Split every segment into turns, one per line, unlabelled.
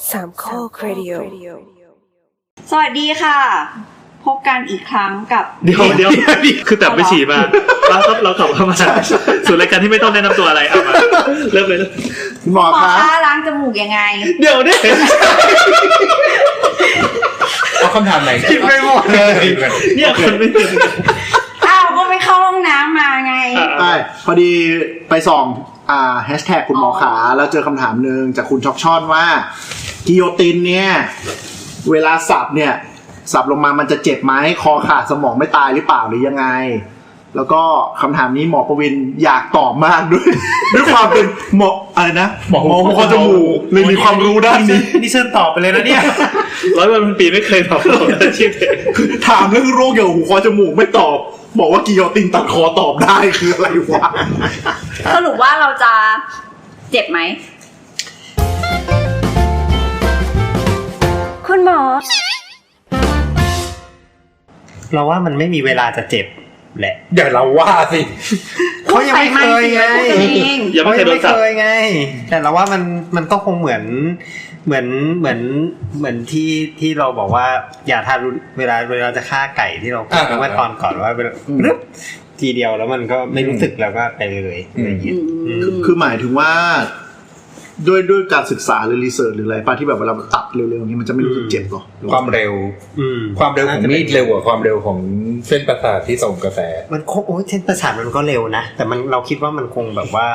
สามข้อครดิโอ
สวัสดีค่ะพบกันอีกครั้งกับ
เดี๋ยวคือแต่ไปฉี่มาเราขับเข้ามาสู่รายการที่ไม่ต้องแนะนำตัวอะไรเอามาเริ่มเลย
หมอคะล้างจมูกยังไง
เดี๋ยวดิ
เอาคำถามไหน
คิดไม่หมดเลยเนี่ยคนไม่ตื่น
ก็ไปเข้าห้องน้ำมาไง
ใช่พอดีไปส่องแฮชแท็กคุณหมอขาแล้วเจอคำถามนึงจากคุณช็อกช่อนว่ากิโยตินเนี่ยเวลาสับเนี่ยสับลงมามันจะเจ็บไหมคอขาดสมองไม่ตายหรือเปล่าหรือยังไงแล้วก็คำถามนี้หมอประวินอยากตอบมากด้วยความเป็นหมออะไรนะหมอหูคอจมูกเลยมีความรู้ด้านนี้
นี่เชิญตอบไปเลยนะเนี่ย
100 วันพันปีไม่เคยตอบอาชีพเอง
ถามเรื่องโรคเกี่ยวกับหูคอจมูกไม่ตอบบอกว่ากิโยตินตัดคอตอบได้คืออะไรวะ
สรุปว่าเราจะเจ็บไหมคุณหมอ
เราว่ามันไม่มีเวลาจะเจ็บแหละ
อย่าเราว่าสิ
เขายังไม่เคยไง
ยังไม่เคย
ไงแต่เราว่ามันก็คงเหมือนที่เราบอกว่าอย่าทานเวลาจะฆ่าไก่ที่เราพูดเมื่อตอนก่อนว่าทีเดียวแล้วมันก็ไม่รู้สึกแล้วก็ไปเลย
คือหมายถึงว่าด้วยการศึกษาหรือรีเสิร์ชหรืออะไรป่ะที่แบบเวลาตัดเร็วๆอย่างนี้มันจะไม่รู้สึกเจ็บหรอ
ความเร็ว
ของมีดเร็วกว่าความเร็วของเส้นประสาทที่ส่งกระแส
มันเส้นประสาทมันก็เร็วนะแต่มันเราคิดว่ามันคงแบบว่า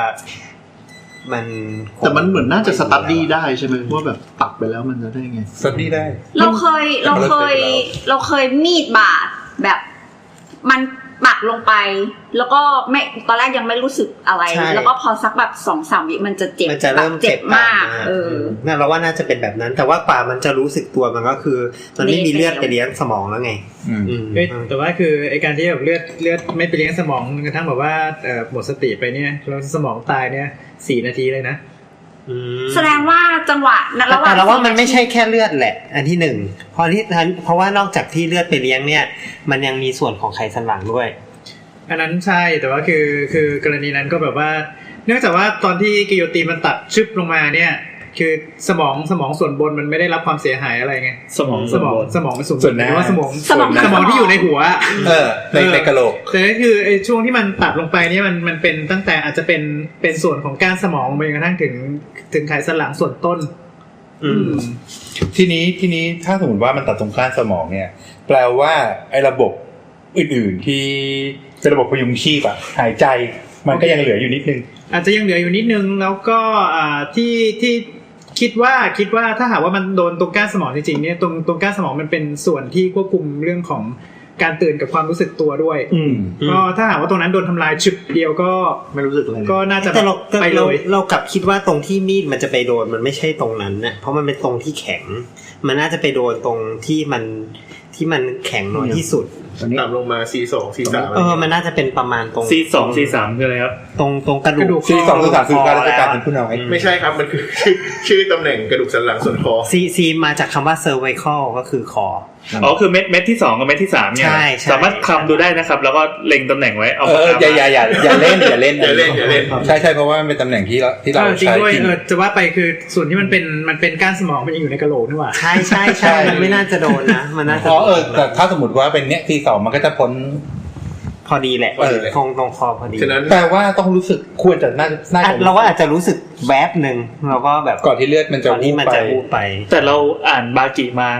แต่มันเหมือนน่าจะสตั๊ดดี้ได้ใช่ไหมว่าแบบตัดไปแล้วมันจะได้ไง
สตั๊ดดี้ได้
เราเคยมีดบาดแบบมันปักลงไปแล้วก็ไม่ตอนแรกยังไม่รู้สึกอะไรแล้วก็พอสักแบบ 2-3 วิมันจะเจ็บ
มันจะเริ่มเจ็บ
มาก
น่าเราว่าน่าจะเป็นแบบนั้นแต่ว่ากว่ามันจะรู้สึกตัวมันก็คือมันไม่มีเลือดไปเลี้ยงสมองแล้วไง
แต่ว่าคือไอ้การที่แบบเลือดไม่ไปเลี้ยงสมองกระทั่งแบบว่าหมดสติไปเนี่ยแล้วสมองตายเนี่ย4 นาทีเลยนะ
แสดงว่าจังหวะระหว่าง
แต่เราว่ามันไม่ใช่แค่เลือดแหละอันที่1เพราะว่านอกจากที่เลือดไปเลี้ยงเนี่ยมันยังมีส่วนของไขสันหลังด้วย
อันนั้นใช่แต่ว่าคือกรณีนั้นก็แบบว่าเนื่องจากว่าตอนที่กิโยตินมันตัดชึบลงมาเนี่ยคือสมองส่วนบนมันไม่ได้รับความเสียหายอะไรไง
สมอง
มันสูงแต่ว่าสมองที่อยู่ในหัว
ในกะโหลก
แต่ก็คือไอ้ช่วงที่มันตัดลงไปเนี่ยมันเป็นตั้งแต่อาจจะเป็นส่วนของก้านสมองไปจนกระทั่งถึงไขสันหลังส่วนต้น
ทีนี้ถ้าสมมติว่ามันตัดตรงก้านสมองเนี่ยแปลว่าไอ้ระบบอื่นๆที่เป็นระบบพยุงชีพอะหายใจมันก็ยังเหลืออยู่นิดนึง
อาจจะยังเหลืออยู่นิดนึงแล้วก็ที่คิดว่าถ้าหากว่ามันโดนตรงก้านสมองจริงๆเนี่ยตรงก้านสมองมันเป็นส่วนที่ควบคุมเรื่องของการตื่นกับความรู้สึกตัวด้วยก็ถ้าหากว่าตรงนั้นโดนทำลายฉึบเดียวก็
ไม่รู้สึกอะไร
ก็น่าจะ
ไปเลยเรากลับคิดว่าตรงที่มีดมันจะไปโดนมันไม่ใช่ตรงนั้นนะเพราะมันเป็นตรงที่แข็งมันน่าจะไปโดนตรงที่มันแข็งน้อยที่สุด
ต่ำลงมา C2 C3
มันน่าจะเป็นประมาณตรง
C2 C3 คืออะไรครับ
ตรงกระดูก
C2 C3 คือการราชการเป็นผู้น้อยไม่ใช่ครับมันคือชื่อตำแหน่งกระดูกสันหลังส่วนคอ
C มาจากคำว่า cervical ก็คือคอ
คือเม็ดที่2กับเม็ดที่3เนี่ยสามารถคำดูได้นะครับแล้วก็เล็งตำแหน่งไว้เอา
อย่าเล่นใช่เพราะว่ามันเป็นตำแหน่งที่เรา
ใช้จริงด้วยจะว่าไปคือส่วนที่มันเป็นก้านสมองมันยังอยู่ในกะโหลกนี่หว่า
ใช่มันไม่น่าจะโดนนะมันน่าจะ
แต่ถ้าสมมุติว่าเป็นเนี้ยที่2มันก็จะพ้น
พอดีแหละตรงคอพอดี
ฉะนั้นแปลว่าต้องรู้สึกควรจะน่า
เราก็อาจจะรู้สึกแวบนึงเราก็แบบ
ก่อนที่เลือดมันจะ
วูบไป
แต่เราอ่านบากิมา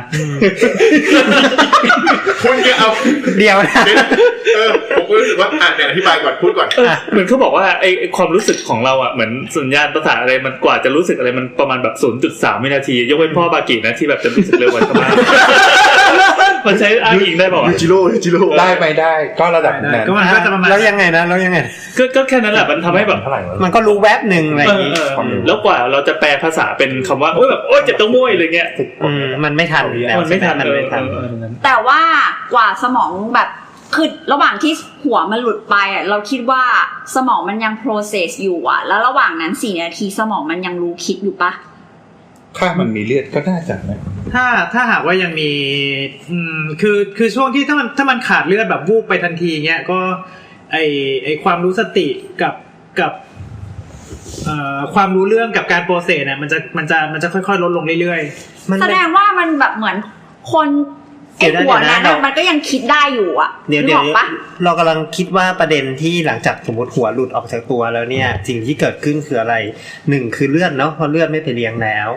คุณจะเอา
เดียวนะ
ผมก็รู้สึกว่าเนี่ยอธิบายก่อนพูดก่อน
เหมือนเขาบอกว่าไอ้ความรู้สึกของเราอ่ะเหมือนสัญญาณประสาทอะไรมันกว่าจะรู้สึกอะไรมันประมาณแบบ 0.3 วินาทียกเว้นพ่อบากินะที่แบบจะรู้สึกเร็วกว่าชาวบ้านมันใช้อ้างอิงได้ป่าว
จิโร่
ได้ไปได้ก็ระดับนั้น
ก็มันก็จะประมาณ
แล้วยังไง
ก็แค่นั้นแหละมันทำให้แบบ
มันก็รู้แวบนึงอะไรอย่างงี้
แล้วกว่าเราจะแปลภาษาเป็นคำว่าโอ๊ยแบบโอ๊ยเจ็บตรงม้วยอะไรเงี้ย
มันไม่ทัน
มันไม่ทัน
แต่ว่ากว่าสมองแบบคือระหว่างที่หัวมันหลุดไปอ่ะเราคิดว่าสมองมันยัง process อยู่อ่ะแล้วระหว่างนั้น4 นาทีสมองมันยังรู้คิดอยู่ปะ
ถ้ามันมีเลือดก็น่าจะนะ
ถ้าหากว่ายังมีคือช่วงที่ถ้ามันขาดเลือดแบบวูบไปทันทีเงี้ยก็ไอความรู้สติกับความรู้เรื่องกับการโปรเซสเนี่ยมันจะค่อยๆลดลงเรื่อย
แสดงว่ามันแบบเหมือนคนไอ้หัวนั้นมันก็ยังคิดได้อยู่อ่ะ
เดี๋ยวเรากำลังคิดว่าประเด็นที่หลังจากสมมติหัวหลุดออกจากตัวแล้วเนี่ยสิ่งที่เกิดขึ้นคืออะไร1คือเลือดเนาะเพราะเลือดไม่ไปเลี้ยงแล้ว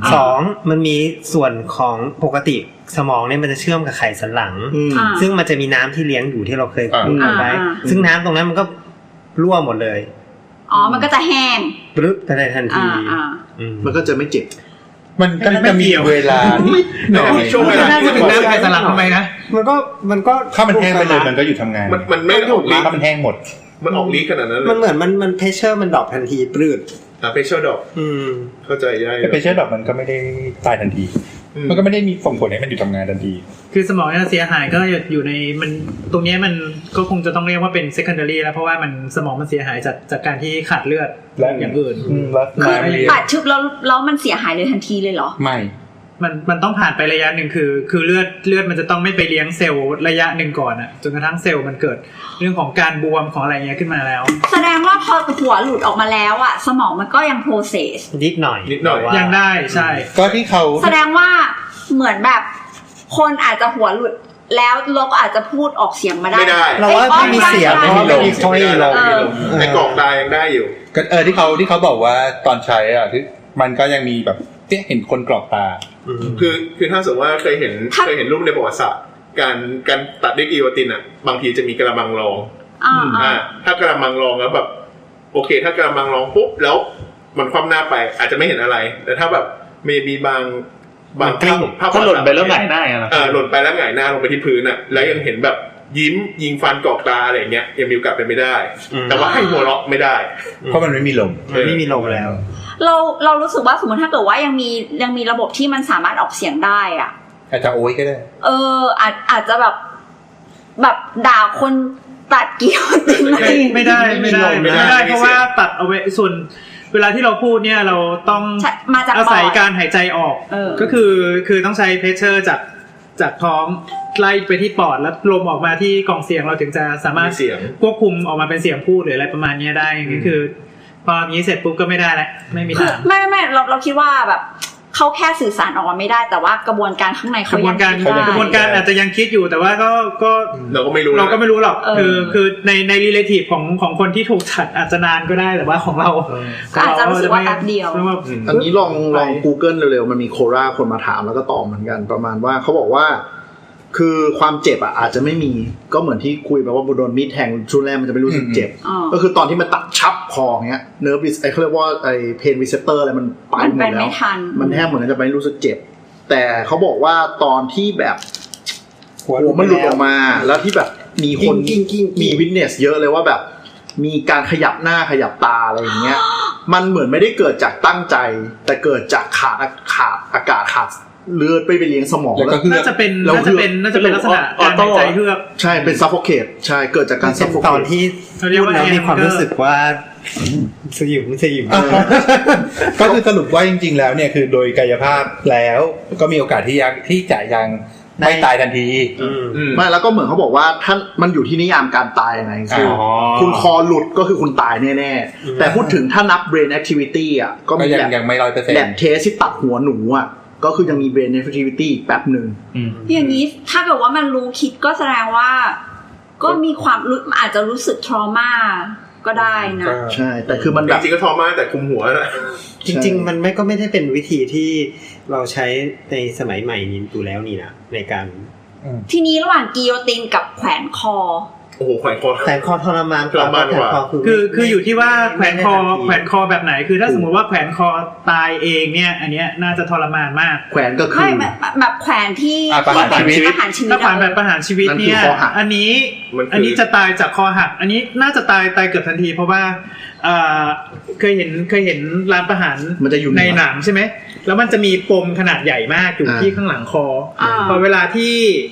2มันมีส่วนของปกติสมองเนี่ยมันจะเชื่อมกับไขสันหลังซึ่งมันจะมีน้ำที่เลี้ยงอยู่ที่เราเคยพูดไว้ซึ่งน้ำตรงนั้นมันก็รั่วหมดเลย
มันก็จะแห้ง
ปรึ๊บไปในทันที
มันก็จะไม่เจ็บ
มันก็จะมีเวลาหน่อย
ช่วงเวลาที่ถึงน้ำไขสันหลังทำไมนะ
มันก็
ถ้ามันแห้งไปเลยมันก็หยุดทำงาน
มันไม่ออกฤทธิ์
ถ้ามันแห้งหมด
มันออกฤทธิ์ขนาดนั้นเลย
มันเหมือนมันเพชเชอร์มันดรอปทันทีปลื้ด
เพชเชอร์ดรอปเข้าใจได้
เพชเชอร์ดรอปมันก็ไม่ได้ตายทันทีมันก็ไม่ได้มีส่งผลให้มันหยุดทำงานทันที
คือสมองเนี่ยเสียหายก็อยู่ในมันตรงนี้มันก็คงจะต้องเรียกว่าเป็น secondary แล้วเพราะว่ามันสมองมันเสียหายจากการที่ขาดเลือดและอย่างอื่น
ขาดชึบแล้วมันเสียหายเลยทันทีเลยเหรอ
ไม่
มันต้องผ่านไประยะหนึ่งคือเลือดมันจะต้องไม่ไปเลี้ยงเซลล์ระยะหนึ่งก่อนอ่ะจนกระทั่งเซลล์มันเกิดเรื่องของการบวมของอะไรเงี้ยขึ้นมาแล้ว
แสดงว่าพอหัวหลุดออกมาแล้วอ่ะสมองมันก็ยัง process
นิดหน่อย
ยังได้ใช่
ก็ที่เขา
แสดงว่าเหมือนแบบคนอาจจะหัวหลุดแล้วเราก็อาจจะพูดออกเสียงมาได้
เราว่าไม่มีเสียงเพราะไม่มีค่อยเรา
แต่กรอกตายังได้อยู่
ก็ที่เขาบอกว่าตอนใช้อ่ะที่มันก็ยังมีแบบเห็นคนกรอกตา
คือถ้าสมมติว่าเคยเห็นรูปในประวัติศาสตร์การตัดด้วยกิโยตินอ่ะบางทีจะมีกระมังรองถ้ากระมังรองแล้วแบบโอเคถ้ากระมังรองปุ๊บแล้วมันคว่ำหน้าไปอาจจะไม่เห็นอะไรแต่ถ้าแบบมีบาง
ภาพหล่นไปแล้วหงายหน้า
หล่นไปแล้วหงายหน้าลงไปที่พื้นอ่ะแล้วยังเห็นแบบยิ้มยิงฟันกรอกตาอะไรอย่างเงี้ยยังมีโอกาสเป็นไม่ได้แต่ว่าให้หัวเราะไม่ได้
เพราะมันไม่มีลม
แล้ว
เรารู้สึกว่าสมมติถ้าเกิดว่ายังมีระบบที่มันสามารถออกเสียงได้อ่ะ
อาจจะโอ้ยก็ได้
อาจจะแบบด่าคนตัดเกี่ยว
ไม่ได้เพราะว่าตัดเอาไว้ส่วนเวลาที่เราพูดเนี่ยเราต้องอาศัยการหายใจออกก็คือต้องใช้เพชเชอร์จากท้องไล่ไปที่ปอดแล้วลมออกมาที่กล่องเสียงเราถึงจะสามารถควบคุมออกมาเป็นเสียงพูดหรืออะไรประมาณนี้ได้ก็คือพอนี้เสร็จปุ๊บก็ไม่ได้แล้วไม่มีทาง
ไม่เราคิดว่าแบบเขาแค่สื่อสารออกมาไม่ได้แต่ว่ากระบวนการข้างในเขายังคิดได้
กระบวนการอาจจะยังคิดอยู่แต่ว่าก็
เราก็ไม่รู้
หรอกคือใน relative ของคนที่ถูกตัดอาจจะนานก็ได้แต่ว่าของเรา
อาจจะรู้สึกว่าแป๊บเดียว
อันนี้ลอง Google เร็วๆมันมีโคราคนมาถามแล้วก็ตอบเหมือนกันประมาณว่าเขาบอกว่าคือความเจ็บอาจจะไม่มีก็เหมือนที่คุยไปว่าโดนมีดแทงช่วงแรกมันจะไม่รู้สึกเจ็บก็คือตอนที่มันตัดชับคอเงี้ยเนิร์ฟเขาเรียกว่าไอ้เพนรีเซปเตอร์อะไรมันไปหมดแล้วมันแทบเหมือนจะไม่รู้สึกเจ็บแต่เขาบอกว่าตอนที่แบบหัวมันหลุดออกมาแล้วที่แบบมีคนมีวิทเนสเยอะเลยว่าแบบมีการขยับหน้าขยับตาอะไรอย่างเงี้ยมันเหมือนไม่ได้เกิดจากตั้งใจแต่เกิดจากขาดอากาศขาดเลือดไปเลี้ยงสมอง
แล้วน่าจะเป็นลักษณะการหายใจเฮือก
ใช่เป็นซัฟโฟเคตใช่เกิดจากการซัฟโฟเคต
ตอนที่พูดแล้วมีความรู้สึกว่าสยิม
ก็คือสรุปว่าจริงๆแล้วเนี่ยคือโดยกายภาพแล้วก็มีโอกาสที่จะยังไม่ตายทันที
ไม่แล้วก็เหมือนเขาบอกว่าท่านมันอยู่ที่นิยามการตายยังไงคือคุณคอหลุดก็คือคุณตายแน่ๆแต่พูดถึงถ้านับ brain activity อ่ะก็มี
ยังไม่ 100%
แลบเทสที่ตัดหัวหนูอ่ะก็คือยังมี brain activity แป๊บนึง
อย่างนี้ถ้าเกิดว่ามันรู้คิดก็แสดงว่าก็มีความอาจจะรู้สึก trauma ก็ได้นะ
ใช่แต่คือมัน
จริงๆก็ trauma แต่คุมหัวนะ
จริงๆมันไม่ได้เป็นวิธีที่เราใช้ในสมัยใหม่นี้อยู่แล้วนี่นะในการ
ทีนี้ระหว่างกิโยตินกับแขวนคอ
โอ้โหแขวน
คอทรมาน
คืออยู่ที่ว่าแขวนคอแบบไหนคือถ้าสมมติว่าแขวนคอตายเองเนี่ยอันเนี้ยน่าจะทรมานมาก
แขวนก็คือ
แบบแขวนที่
ประหารชีวิตถ้าแขวนแบบประหารชีวิตเนี่ยอันนี้จะตายจากคอหักอันนี้น่าจะตายเกือบทันทีเพราะว่าเคยเห็นร้านประหารในหนังใช่ไหมแล้วมันจะมีปมขนาดใหญ่มากอยู่ที่ข้างหลังคอพอเวลาที่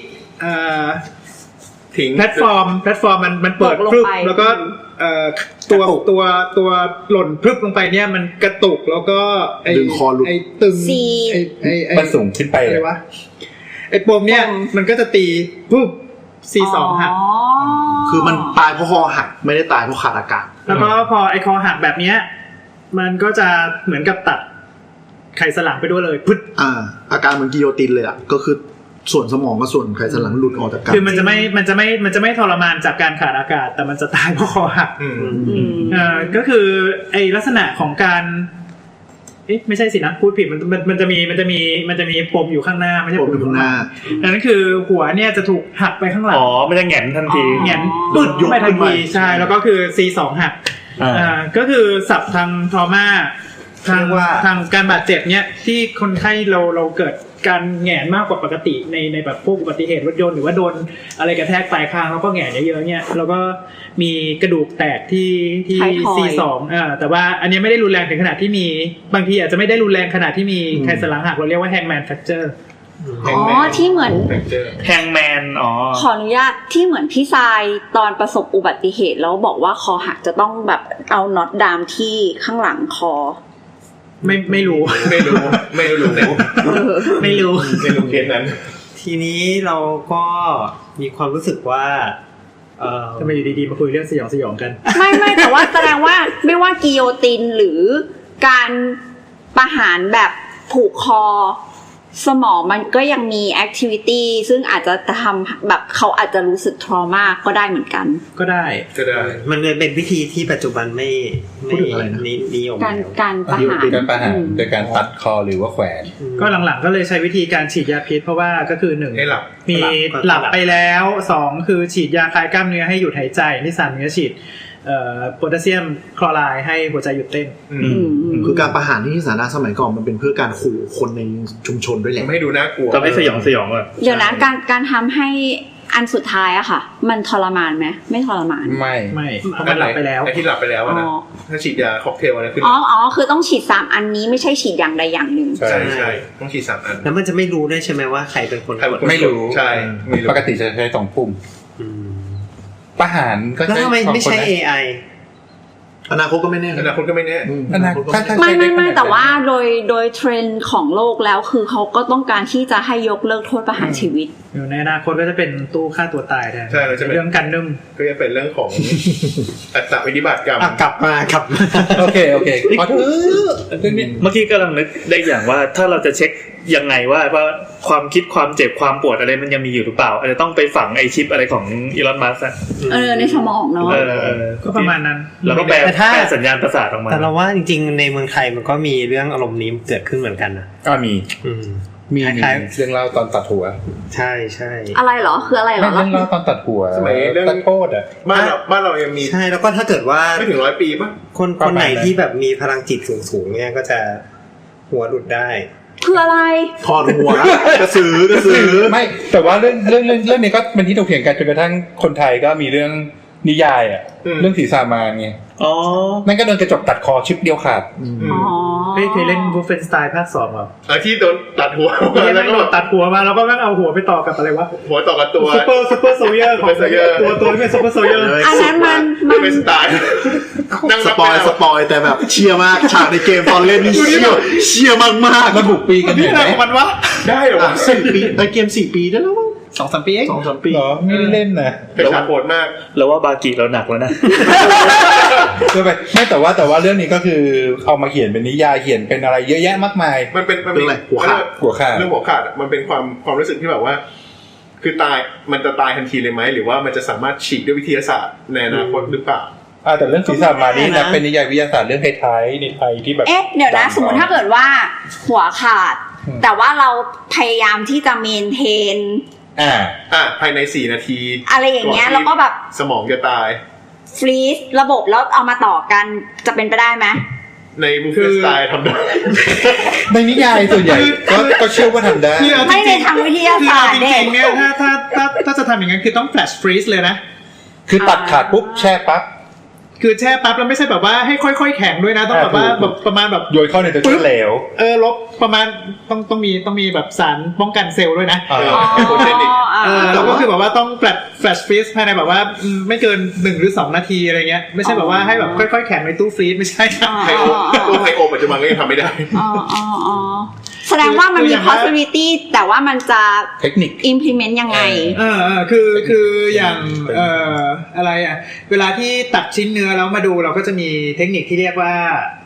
แพลตฟอร์มมันเปิดพรึบแล้วก็ตัวหล่นพรึบลงไปเนี่ยมันกระตุกแล้วก็ไอ้ตึง
มันสูงขึ้นไป
เลยวะไอ้ปมเนี่ยมันก็จะตีปุ๊บ C2 หัก
คือมันตายเพราะคอหักไม่ได้ตายเพราะขาดอากาศ
แล้วก็พอไอ้คอหักแบบเนี้ยมันก็จะเหมือนกับตัดไขสันหลังไปด้วยเลยพึด
อาการเหมือนกิโยตินเลยอ่ะก็คือส่วนสมองกับส่วนไขสันหลังหลุดออกจากกัน
คือมันจะไม่ทรมานจากการขาดอากาศแต่มันจะตายเพราะคอหักก็คือไอลักษณะของการไม่ใช่สินะพูดผิดมันจะมีปมอยู่ข้างหน้าไม่ใช่ปมอยู่ข้างหน้านั่นคือหัวเนี่ยจะถูกหักไปข้างหลัง
มันจะแหงนทันที
แหงนปึดไปทันทีใช่แล้วก็คือ C2 หักก็คือศัพท์ทางทรมาทางการบาดเจ็บเนี่ยที่คนไข้เราเกิดการแหงนมากกว่าปกติในแบบพวกอุบัติเหตุรถยนต์หรือว่าโดนอะไรกระแทกปลายคางแล้วก็แหงนเยอะๆเนี่ยแล้วก็มีกระดูกแตกที่ C2 แต่ว่าอันนี้ไม่ได้รุนแรงถึงขนาดที่มีบางทีอาจจะไม่ได้รุนแรงขนาดที่มีไขสันหลังหักเราเรียกว่า hangman fracture
ที่เหมือน
แฮงแมน
ขออนุญาตที่เหมือนพี่ทรายตอนประสบอุบัติเหตุแล้วบอกว่าคอหักจะต้องแบบเอาน็อตดามที่ข้างหลังคอ
ไม่รู้
ไม่รู้ไม่รู้
เค
สนั้น
ทีนี้เราก็มีความรู้สึกว่า
ทำไมอยู่ดีๆมาคุยเรื่องสยองกัน
ไม่แต่ว่าแสดงว่าไม่ว่ากิโยตินหรือการประหารแบบผูกคอสมองมันก็ยังมีแอคทิวิตี้ซึ่งอาจจะทำแบบเขาอาจจะรู้สึกทรมาก็ได้เหมือนกัน
ก็ได้
มันเป็นวิธีที่ปัจจุบันไม่นิยม
การประหาร
โดยการตัดคอหรือว่าแขวน
ก็หลังๆก็เลยใช้วิธีการฉีดยาพิษเพราะว่าก็คือ1มีหลับไปแล้ว2คือฉีดยาคลายกล้ามเนื้อให้หยุดหายใจที่3คือฉีดโพแทสเซียมคลอไรด์ให้หัวใจหยุดเต้น
คือการประหารที่สาธารณะสมัยก่อนมันเป็นเพื่อการขู่คนในชุมชนด้วยแหละ
ไม่ดูน่ากลัว
จะไม่สยองอ่ะ
เดี๋ยวนะการทำให้อันสุดท้ายอะค่ะมันทรมานไหมไม่ทรมาน
ไม่เพราะมันหลับไปแล้ว
ที่หลับไปแล้วนะถ้าฉีดยาค็อกเทลอะไรขึ้น
คือต้องฉีด3อันนี้ไม่ใช่ฉีดอย่างใดอย่างหนึ่ง
ใช่ต้องฉีด3อัน
แล้วมันจะไม่รู้ได้ใช่ไหมว่าใครเป็นคน
ไม่รู้
ใช่
ปกติจะใช้2ปุ่มประหารก็
ใช้ไม่ใช่ AI
อนาคตก็ไม่แน่
ไม่แต่ว่าโดยเทรนด์ของโลกแล้วคือเขาก็ต้องการที่จะให้ยกเลิกโทษประหารชีวิต
ในอนาคตก็จะเป็นตู้ฆ่าตัวตายแทน
ใช่
เรื่องกันนึ่ม
ก็จะเป็นเรื่องของอัตวินิบาตกรรม
กลับมา
โอเค
ขอโทษเมื่อกี้กำลังนึกได้อย่างว่าถ้าเราจะเช็คยังไงว่าความคิดความเจ็บความปวดอะไรมันยังมีอยู่หรือเปล่าอาจจะต้องไปฝังไอชิปอะไรของอีลอนมัสก์
ในสมองเนาะ
ก็ประมาณนั้น
แล้วก็แปลสัญญาณประสาทออกมา
แต่เราว่าจริงๆในเมืองไทยมันก็มีเรื่องอารมณ์นี้เกิดขึ้นเหมือนกันนะ
ก็มีเรื่องเล่าตอนตัดหัว
ใช่
อะไรเหรอคืออะไรเหรอ
เรื่องเล่าตอนตัดหัว
สมัยเรื่องโทษอ่ะบ้านเรายังมี
ใช่แล้วก็ถ้าเกิดว่า
ไม่ถึง100 ปีป่ะ
คนไหนที่แบบมีพลังจิตสูงๆเนี่ยก็จะหัวหลุดได้
คืออะไร
ถอดหัวกระสือ
ไม่แต่ว่าเรื่องนี้ก็เป็นที่ถกเถียงกันจนกระทั่งคนไทยก็มีเรื่องนิยายอ่ะเรื่องผีสามานไงนั่นก็โดนกระจกตัดคอชิปเดียวขาด
เคยเล่นวูฟเฟนสไตน์ภาค 2 เหรอ
ที่โดนตัดหัว
แล้วก็ตัดหัวมาแล้วก็แม่งเอาหัวไปต่อกับอะไรวะ
หัวต่อกับตัว
ซุปเปอร์โซลเยอร์ของตัวที่เป็นซุปเปอร์โซลเยอร์
อันนั้นมัน
เป็นสไตล์
นั่งสปอยแต่แบบเชียร์มากฉากในเกมตอนเล่นนี่เชียร์มาก
ๆระบุปีกัน
นี่อะไรของมันวะ
ได้เหรอ
4 ปีเกม4 ปีได้แล้ว
2-3 ปีเอง
2-3 ปี
เหรอไม่ได้เล่นนะ
เป็นฉากโหดมาก
แล้วว่าบากิเราหนักแล้วนะ
ไม่แต่ว่าเรื่องนี้ก็คือเอามาเขียนเป็นนิยายเขียนเป็นอะไรเยอะแยะมากมาย
มันเป็นอะไรหัวขาดเรื่องหัวขาดมันเป็นความรู้สึกที่แบบว่าคือตายมันจะตายทันทีเลยไหมหรือว่ามันจะสามารถฉีกด้วยวิทยาศาสตร์ในอนาคตหรือเปล่า
แต่เรื่องศีรษะมานี่นะเป็นนิยายวิทยาศาสตร์เรื่องท้ายๆในไทยที่แบบ
เดี๋ยวนะสมมติถ้าเกิดว่าหัวขาดแต่ว่าเราพยายามที่จะเมนเทน
ภายใน4 นาที
อะไรอย่างเงี้ยแล้วก็แบบ
สมองจะตาย
ฟรีซระบบแล้วเอามาต่อกันจะเป็นไปได้ไหม
ในบูฟเฟ่สไตล์ทำได้
ในนิยายส่วนใหญ่ก็เชื่อว่าทำได้
ไม่ในทางวิทยาศาสตร์
จริงๆเนี่ยถ้าจะทำอย่างนั้นคือต้องแฟลชฟรีซเลยนะ
คือตัดขาดปุ๊บแช่ปั๊บ
คือแช่ปั๊บแล้วไม่ใช่แบบว่าให้ค่อยๆแข็งด้วยนะต้องแบบว่าแบบประมาณแบบ
โยนเข้าในตัวเหลว
ลบประมาณต้องมีแบบสารป้องกันเซลล์ด้วยนะแล้วก็คือแบบว่าต้องแฟลชฟรีซภายในแบบว่าไม่เกิน1 หรือ 2 นาทีอะไรเงี้ยไม่ใช่แบบว่าให้แบบค่อยๆแข็งในตู้ฟรีซไม่ใช่
ไฮโอปัจจุบันก็ยังทำไม่ได้
แสดงว่ามันมี possibility แต่ว่ามันจะ
เทคนิค
implement ยังไง
คืออย่างอะไรอ่ะเวลาที่ตัดชิ้นเนื้อแล้วมาดูเราก็จะมีเทคนิคที่เรียกว่า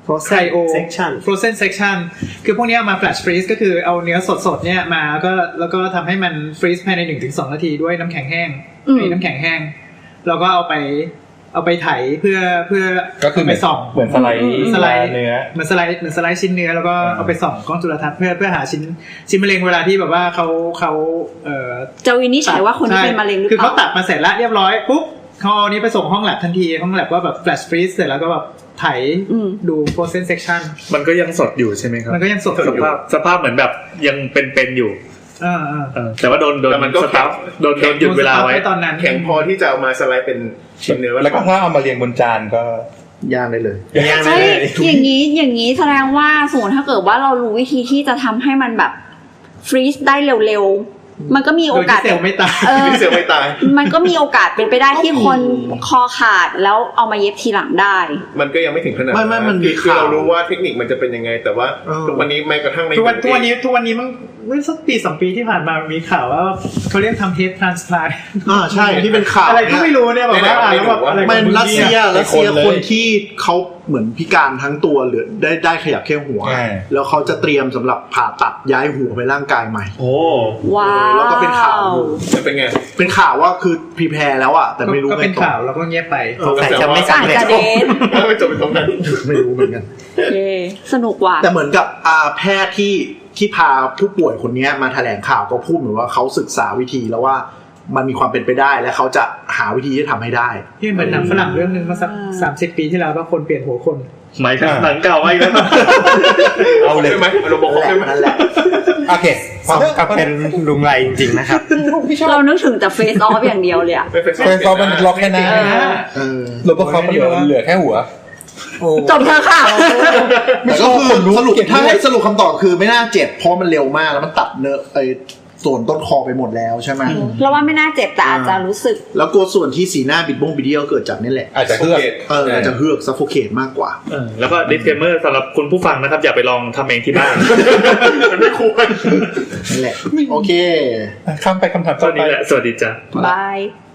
cryo
section
frozen section คือพวกนี้เอามา flash freeze ก็คือเอาเนื้อสดๆเนี่ยมาแล้วก็ทำให้มัน freeze ภายใน 1-2 นาทีด้วยน้ำแข็งแห้งน้ำแข็งแห้งแล้วก็เอาไปไถเพื่อ
ก็คือ
ไปส่อง
เหมือนสไลด์เนื้อ
เหมือนสไลด์ชิ้นเนื้อแล้วก็เอาไปส่องกล้องจุลทรรศน์เพื่อหาชิ้นมะเร็งเวลาที่แบบว่าเขา
จะวินิจฉัยว่าคนที่เป็นมะเร็งหรือเปล่า
คือเขาตัดมาเสร็จแล้วเรียบร้อยปุ๊บเขาเอานี้ไปส่งห้องแลบทันทีห้องแลบก็แบบ flash freeze เสร็จแล้วก็แบบไถดู frozen section
มันก็ยังสดอยู่ใช่ไหมครับ
มันก็ยังสดอยู่
สภาพเหมือนแบบยังเป็นอยู่แต่ว่าโดน
มันก็
โดนหยุดเวลาไว้
ตอนนั้น
แข็งพอที่จะเอามาสไลด์เป็นชิ้นเนื้อ
แล้วก็ถ้าเอามาเรียงบนจานก็
ย่างได้เลย
ใช่อย่างนี้แสดงว่าสมมติถ้าเกิดว่าเรารู้วิธีที่จะทำให้มันแบบฟรีซได้เร็วๆมันก็มีโอกาส
เซลล์ไม่ตาย
เซลล์ไม่ตาย
มันก็มีโอกาสเป็นไปได้ที่คนคอขาดแล้วเอามาเย็บทีหลังได้
มันก็ยังไม่ถึงขนาด
ไม่มัน
คือเรารู้ว่าเทคนิคมันจะเป็นยังไงแต่ว่าทุกวันนี้แม้กระทั่งใน
ทุกวันนี้มันเมื่อสักปี2ปีที่ผ่านมามีข่าวว่าเขาเรียกทำ head transplant
ใช่ที่เป็นข่าว
อะไรก็ไม่รู้เนี่ยแบบว่าแล้วแบบอะไร
มันรัสเซียคนที่เขาเหมือนพิการทั้งตัวหรือได้ขยับแค่หัวแล้วเขาจะเตรียมสำหรับผ่าตัดย้ายหัวไปร่างกายใหม่
โอ้
ว้าว
แล้วก็เป็นข่าว
เป็นไง
เป็นข่าวว่าคือพรีแพร์แล้วอ่ะแต่ไม่รู้
ก็เป็นข่าวแล้วก็เงียบไป
แต่จะไม่สำเร็จ
ไม่จบไปตรงนั้น
ไม่รู้เหมือนกัน
สนุกว่ะ
แต่เหมือนกับแพทย์ที่พาผู้ป่วยคนนี้มาแถลงข่าวก็พูดเหมือนว่าเขาศึกษาวิธีแล้วว่ามันมีความเป็นไปได้และเขาจะหาวิธีที่ทำให้ได้
ที่เหมือนหนังฝรั่งเรื่องนึงมาสัก30 ปีที่แล้วว่าคนเปลี่ยนหัวคน
หมายถึงหนังเก่าไว้แล้ว
เอาเลยไหมเราบอกเขาไหม
นั่นแหละ
โอเค
กับเป็นลุงไรจริงๆนะครับ
เรานึกถึงแต่ face off อย่างเดียวเลยอะ
face off มันล็อกแค่หน้าแล้วก็เขาเหลือแค่หัว
จบเถอะค่ะ
แต่ก็คือสรุปถ้าให้สรุปคำตอบคือไม่น่าเจ็บเพราะมันเร็วมากแล้วมันตัดเนื้อส่วนต้นคอไปหมดแล้วใช่ไหม
เราว่าไม่น่าเจ็บแต่อาจจะรู้สึก
แล้วกลัวส่วนที่สีหน้าบิดเบี้ยวเกิดจากนี่แหละ
อาจจะเฮือก
อาจจะเฮือกซัฟโฟเคทมากกว่า
แล้วก็ disclaimer สำหรับคุณผู้ฟังนะครับอย่าไปลองทำเองที่บ้าน
มันไม่ควร
นั่นแหละโอเค
ข้ามไปคำถาม
ตอนนี้แหละสวัสดีจ้ะ
บาย